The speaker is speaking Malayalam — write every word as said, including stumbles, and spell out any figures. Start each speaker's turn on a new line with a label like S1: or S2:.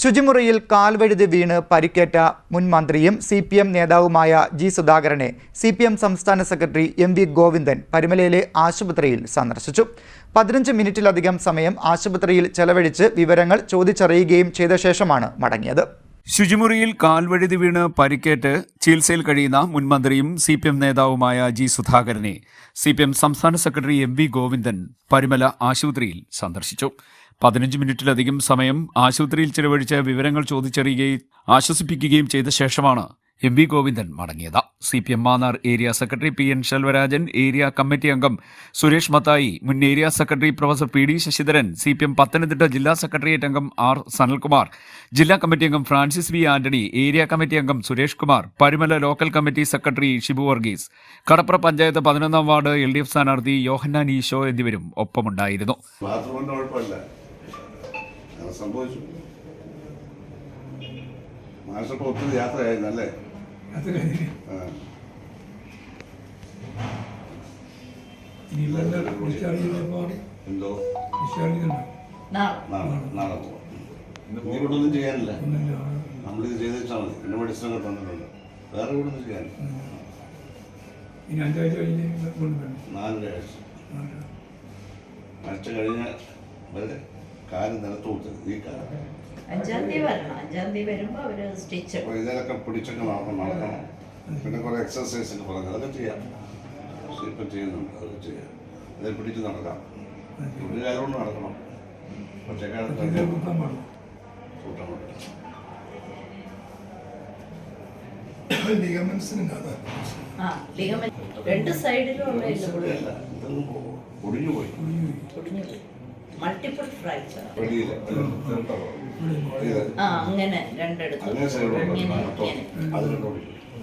S1: ശുചിമുറിയിൽ കാൽവഴുതി വീണ് പരിക്കേറ്റ മുൻ മന്ത്രിയും സി പി എം നേതാവുമായ ജി സുധാകരനെ സി പി എം സംസ്ഥാന സെക്രട്ടറി എം വി ഗോവിന്ദൻ പരുമലയിലെ ആശുപത്രിയിൽ സന്ദർശിച്ചു. പതിനഞ്ച് മിനിറ്റിലധികം സമയം ആശുപത്രിയിൽ ചെലവഴിച്ച് വിവരങ്ങൾ ചോദിച്ചറിയുകയും ചെയ്ത ശേഷമാണ് മടങ്ങിയത്.
S2: ശുചിമുറിയിൽ കാൽവഴുതി വീണ് പരിക്കേറ്റ് ചികിത്സയിൽ കഴിയുന്ന മുൻമന്ത്രിയും സി പി എം നേതാവുമായ ജി സുധാകരനെ സി പി എം സംസ്ഥാന secretary M V Govindan Parumala ആശുപത്രിയിൽ സന്ദർശിച്ചു. പതിനഞ്ച് മിനിറ്റിലധികം സമയം ആശുപത്രിയിൽ ചിലവഴിച്ച് വിവരങ്ങൾ ചോദിച്ചറിയുകയും ആശ്വസിപ്പിക്കുകയും ചെയ്ത ശേഷമാണ് എം വി ഗോവിന്ദൻ മടങ്ങിയത്. C P M Mannar area secretary P N Selvarajan, area committee അംഗം സുരേഷ് മത്തായി, മുൻ area secretary professor P D Sasidharan, C P M Pathanamthitta ജില്ലാ സെക്രട്ടേറിയറ്റ് അംഗം ആർ സനൽകുമാർ, ജില്ലാ കമ്മിറ്റി അംഗം Francis V Antony, area committee അംഗം Suresh Kumar, Parumala local committee secretary Shibu Varghese, Kadapra panchayat പതിനൊന്നാം വാർഡ് എൽ ഡി എഫ് സ്ഥാനാർത്ഥി യോഹന്നാൻ ഈശോ എന്നിവരും ഒപ്പമുണ്ടായിരുന്നു.
S3: സംഭവിച്ചു മാഷപ്പോൾ ഒത്തിരി യാത്രയായിരുന്നല്ലേ? എന്തോ നാളെ പോവാം. നീ ഇവിടെ ഒന്നും ചെയ്യാനില്ല, നമ്മളിത് ചെയ്ത് വെച്ചാൽ മതി. എന്റെ മെഡിസിനൊക്കെ തന്നിട്ടുണ്ട്, വേറെ ഇവിടെ ഒന്നും ചെയ്യാനില്ല. നാലര ആഴ്ച ആഴ്ച കഴിഞ്ഞ വരെ കാല് നിലത്ത് കൊടുത്തത് ഈ കാലം ഇതിലൊക്കെ പിടിച്ചൊക്കെ നടക്കണം നടക്കണം പിന്നെ കുറെ എക്സസൈസ് ഒക്കെ പറഞ്ഞു അതൊക്കെ ചെയ്യാം. പക്ഷെ ഇപ്പം ചെയ്യുന്നുണ്ട്, അതൊക്കെ ചെയ്യാം. അതിൽ പിടിച്ച് നടക്കാം, ഒരു കാലം കൊണ്ട് നടക്കണം. ഒറ്റക്കാലത്ത് കൂട്ടാൻ പറ്റില്ല, ഒടിഞ്ഞു പോയി.
S4: മൾട്ടിപ്പിൾ ഫ്രാക്ചർ അങ്ങനെ രണ്ടിടത്തും